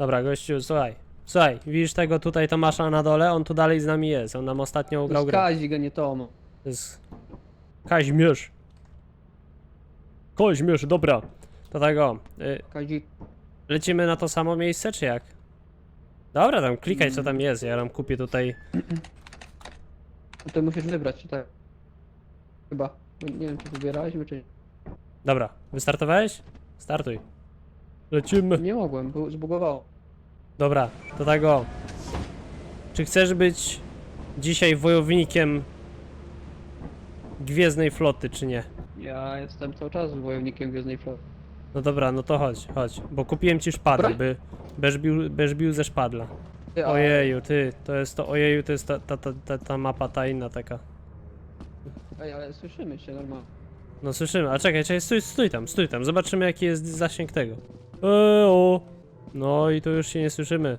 Dobra, gościu, słuchaj. Słuchaj, widzisz tego tutaj Tomasza na dole? On tu dalej z nami jest. On nam ostatnio ugrał grę. Kazik, a nie Tomo. To jest Kaźmierz. Kaźmierz, dobra. To tego. Kazik. Lecimy na to samo miejsce, czy jak? Dobra, tam klikaj co tam jest. Ja nam kupię tutaj. No to musisz wybrać, czy tak? Chyba. Nie wiem, czy wybieraliśmy, czy nie. Dobra, wystartowałeś? Startuj. Lecimy. Nie mogłem, bo zbugowało. Dobra, to tego. Czy chcesz być dzisiaj wojownikiem Gwiezdnej Floty, czy nie? Ja jestem cały czas wojownikiem Gwiezdnej Floty. No dobra, no to chodź, chodź. Bo kupiłem ci szpadę, Broń? będziesz bił ze szpadla. Ty, Ojeju, ty, to jest to, ojeju, to jest ta mapa, ta inna taka. Ej, ale słyszymy się normalnie. No słyszymy, a czekaj, stój tam, zobaczymy jaki jest zasięg tego. O. No i to już się nie słyszymy.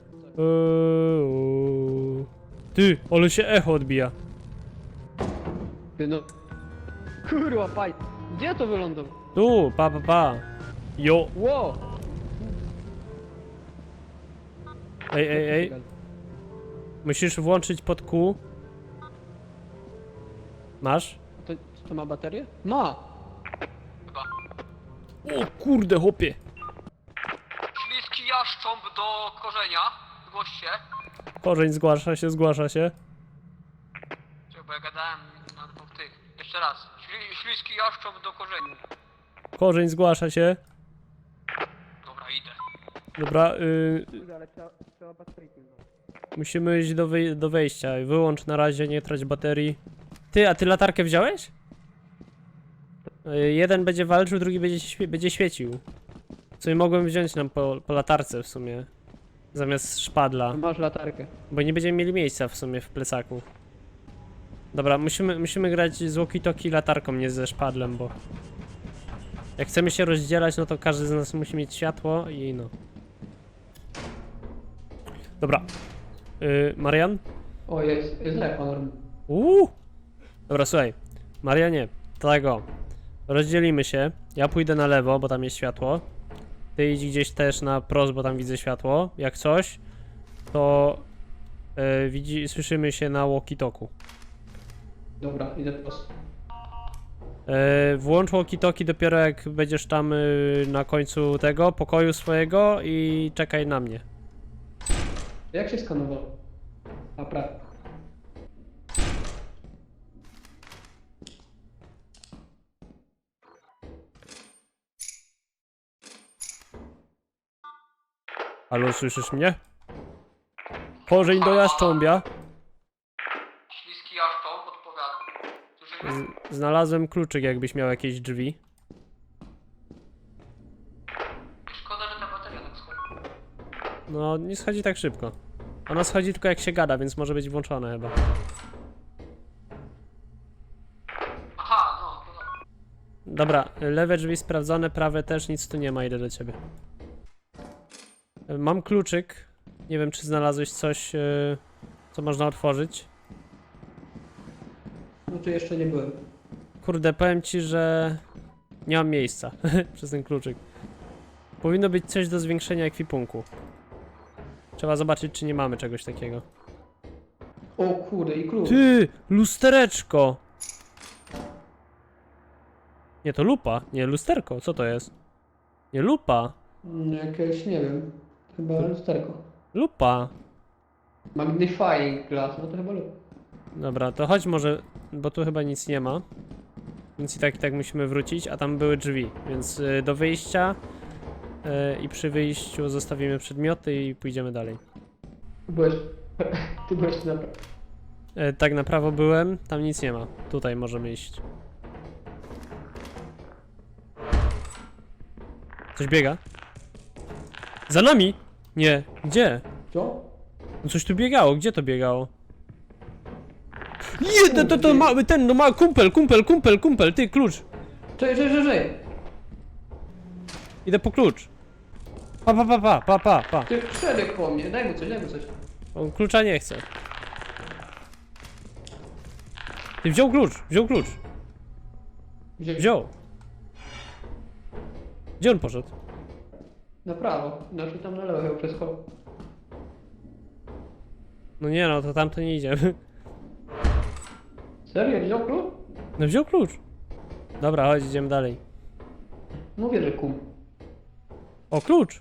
Ty, ale się echo odbija. Ty no. Kurwa, faj. Gdzie to wylądowało? Tu, pa. Jo, Ło! ej. Musisz włączyć pod Q. Masz? To ma baterię? Ma! O kurde, chłopie. Śliski jaszcząb do korzenia. Zgłoś się. Korzeń zgłasza się. Czekaj, bo ja gadałem na dwóch tych. Jeszcze raz. Śliski jaszcząb do korzenia. Korzeń zgłasza się. Dobra, idę. Dobra, Ale trzeba bateryjki. musimy iść do wejścia. Wyłącz na razie, nie trać baterii. Ty, a ty latarkę wziąłeś? Jeden będzie walczył, drugi będzie świecił. Co mogłem wziąć nam po latarce w sumie. Zamiast szpadla. Masz latarkę. Bo nie będziemy mieli miejsca w sumie w plecaku. Dobra, musimy grać z walkie-talkie latarką, nie ze szpadlem, bo... Jak chcemy się rozdzielać, no to każdy z nas musi mieć światło i no. Dobra. Marian? O, jest echo normalnie. Dobra, słuchaj. Marianie, tego. Rozdzielimy się. Ja pójdę na lewo, bo tam jest światło. Ty idź gdzieś też na prost, bo tam widzę światło. Jak coś, to słyszymy się na walkie-talku. Dobra, idę prosto. Włącz walkie-talkie dopiero jak będziesz tam na końcu tego pokoju swojego i czekaj na mnie. Jak się skanowało? A prawo. Halo, słyszysz mnie? Korzeń do jaszcząbia. Śliski jaszcząb, odpowiadam. Słyszymy? Znalazłem kluczyk, jakbyś miał jakieś drzwi. Szkoda, że ta bateria tak schodzi. No, nie schodzi tak szybko. Ona schodzi tylko jak się gada, więc może być włączone chyba. Aha, no, to Dobra, lewe drzwi sprawdzone, prawe też, nic tu nie ma, idę do ciebie. Mam kluczyk. Nie wiem, czy znalazłeś coś, co można otworzyć. no tu jeszcze nie byłem. Kurde, powiem ci, że nie mam miejsca przez ten kluczyk. Powinno być coś do zwiększenia ekwipunku. Trzeba zobaczyć, czy nie mamy czegoś takiego. O kurde, i klucz. Ty, lustereczko! Nie, to lupa. Nie, lusterko. Co to jest? Nie, lupa. Jakieś, nie wiem. Chyba lusterko. Lupa. Magnifying glass, no to chyba lub. Dobra, to chodź może, bo tu chyba nic nie ma. Więc i tak musimy wrócić, a tam były drzwi. Więc do wyjścia i przy wyjściu zostawimy przedmioty i pójdziemy dalej. Ty byłeś na prawo. Tak na prawo byłem, tam nic nie ma. Tutaj możemy iść. Coś biega? Za nami! Nie, gdzie? Co? No coś tu biegało, gdzie to biegało? Nie, to mały ten, no mały kumpel, ty, klucz. Czekaj. Idę po klucz. Pa. Ty przebieg po mnie, daj mu coś. On klucza nie chce. Ty wziął klucz. Wziął. Gdzie on poszedł? Na prawo. Znaczy tam na lewo chyba przez hol. No nie no, to tamto nie idziemy. Serio? Wziął klucz? No wziął klucz. Dobra, chodź, idziemy dalej. Mówię, że kum. O, klucz!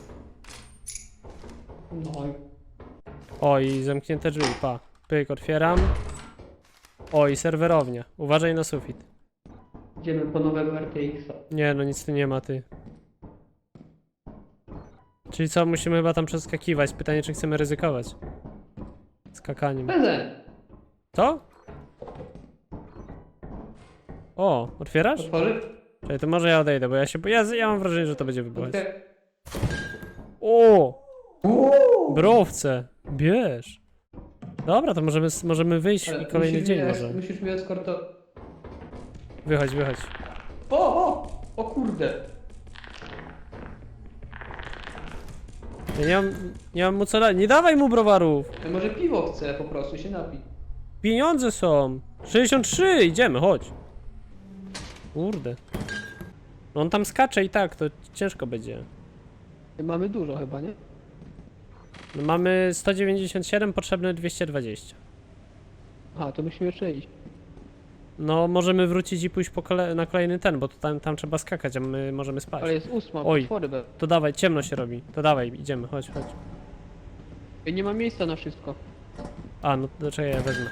No i... O, i zamknięte drzwi, pa. Pyk, otwieram. O, i serwerownia. Uważaj na sufit. Idziemy po nowego RTX-a. Nie, no nic tu nie ma, ty. Czyli co, musimy chyba tam przeskakiwać. Pytanie, czy chcemy ryzykować. Skakaniem. Prezent! Co? O, otwierasz? Otworzy? Czekaj, to może ja odejdę, bo ja mam wrażenie, że to będzie wybuchać. Okej. O! Uuu! Browce! Bierz! Dobra, to możemy wyjść Ale i kolejny musisz dzień mnie- może. Musisz mi eskorto... Wychodź, wychodź. O! O kurde! Ja nie mam mu co dać. Nie dawaj mu browarów! Ja może piwo chce po prostu się napić. Pieniądze są! 63! Idziemy, chodź! Kurde. No on tam skacze i tak, to ciężko będzie. Mamy dużo chyba, nie? No mamy 197, potrzebne 220. Aha, to musimy jeszcze iść. No możemy wrócić i pójść na kolejny ten, bo to tam trzeba skakać, a my możemy spać. Ale jest 8, Oj. potwory be. To dawaj, ciemno się robi. To dawaj, idziemy, chodź, chodź. I nie ma miejsca na wszystko. A, no to czekaj, ja wezmę.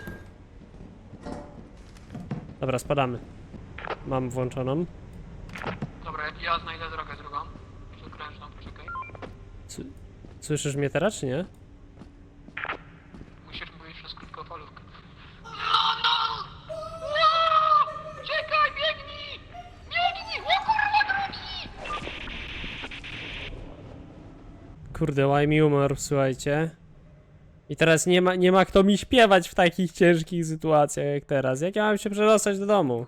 Dobra, spadamy. Mam włączoną. Dobra, ja znajdę drogę drugą. Przekrężną, poczekaj. Słyszysz mnie teraz, czy nie? Musisz mówić przez krótkofalówkę. No! Czekaj, biegnij! Biegnij! O kurwa, drugi! Kurde, łaj mi umarł, słuchajcie. I teraz nie ma kto mi śpiewać w takich ciężkich sytuacjach jak teraz. Jak ja mam się przedostać do domu?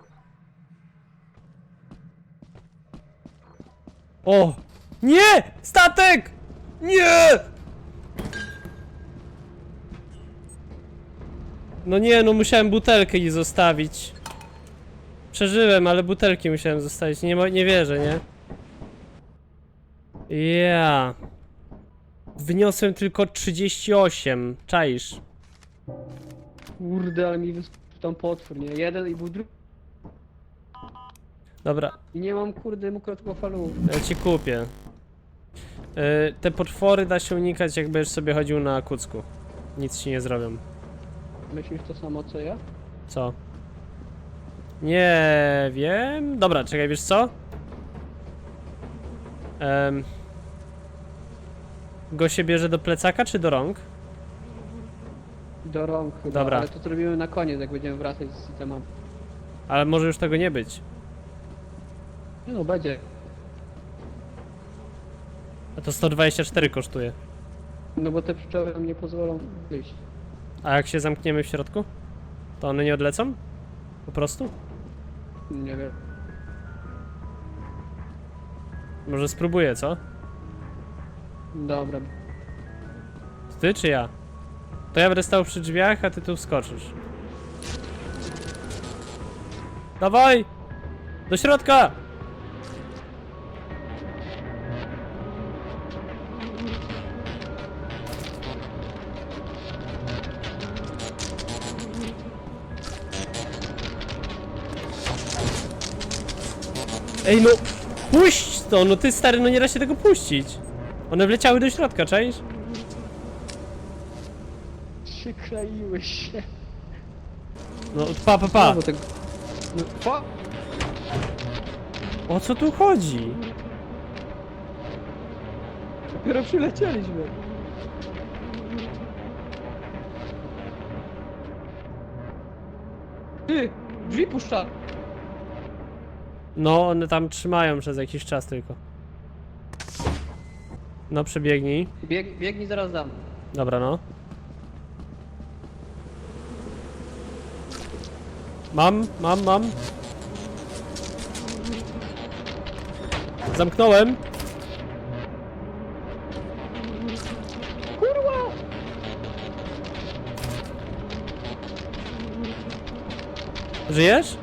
O! Nie! Statek! Nie! No nie, no musiałem butelkę jej zostawić. Przeżyłem, ale butelki musiałem zostawić. Nie wierzę, nie? Ja. Wyniosłem tylko 38. Czaisz? Kurde, ale mi wyskoczył tam potwór, nie? Jeden i był drugi. Dobra, I nie mam kurde krótkofalówki. ja ci kupię. Te potwory da się unikać, jak będziesz sobie chodził na kucku. Nic ci nie zrobią. Myślisz to samo co ja? Co? Nie wiem. Dobra, czekaj, wiesz co? Go się bierze do plecaka czy do rąk? Do rąk chyba, Dobra. ale to zrobimy na koniec, jak będziemy wracać z tematem. Ale może już tego nie być. Nie no, będzie. A to 124 kosztuje. No bo te pszczoły nam nie pozwolą wyjść. A jak się zamkniemy w środku? To one nie odlecą? Po prostu? Nie wiem. Może spróbuję, co? Dobra. Ty czy ja? To ja będę stał przy drzwiach, a ty tu wskoczysz. Dawaj! Do środka! Ej no! Puść to! No ty stary, no nie da się tego puścić! One wleciały do środka, czaisz? Przykleiły się. No pa! No, bo tak... No, pa! O co tu chodzi? Dopiero przylecieliśmy. Ty! Drzwi puszcza! No, one tam trzymają przez jakiś czas tylko. No, przebiegnij. Biegnij, zaraz dam. Dobra, no. Mam. Zamknąłem. Kurwa! Żyjesz?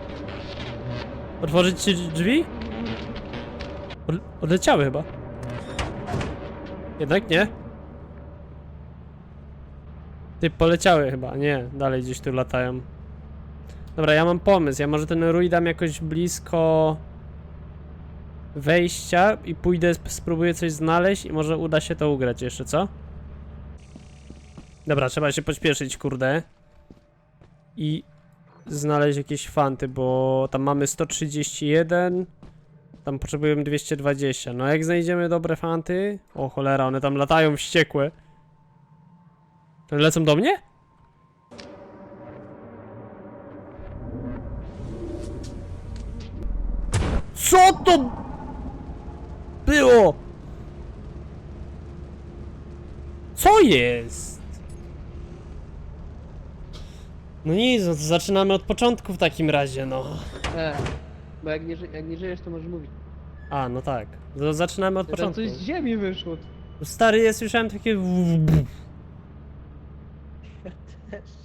Otworzyć ci drzwi? Odleciały chyba. Jednak nie? Ty, poleciały chyba. Nie, dalej gdzieś tu latają. Dobra, ja mam pomysł. Ja może ten rój dam jakoś blisko wejścia i pójdę, spróbuję coś znaleźć i może uda się to ugrać jeszcze, co? Dobra, trzeba się pośpieszyć, kurde. I znaleźć jakieś fanty, bo tam mamy 131. Tam potrzebujemy 220. No jak znajdziemy dobre fanty... O cholera, one tam latają wściekłe. Lecą do mnie? Co to było? Co jest? No nic, no to zaczynamy od początku w takim razie, no. Bo jak nie żyjesz, to możesz mówić. A, no tak. To zaczynamy od Tam początku. coś z ziemi wyszło. Stary, ja słyszałem takie... Ja też.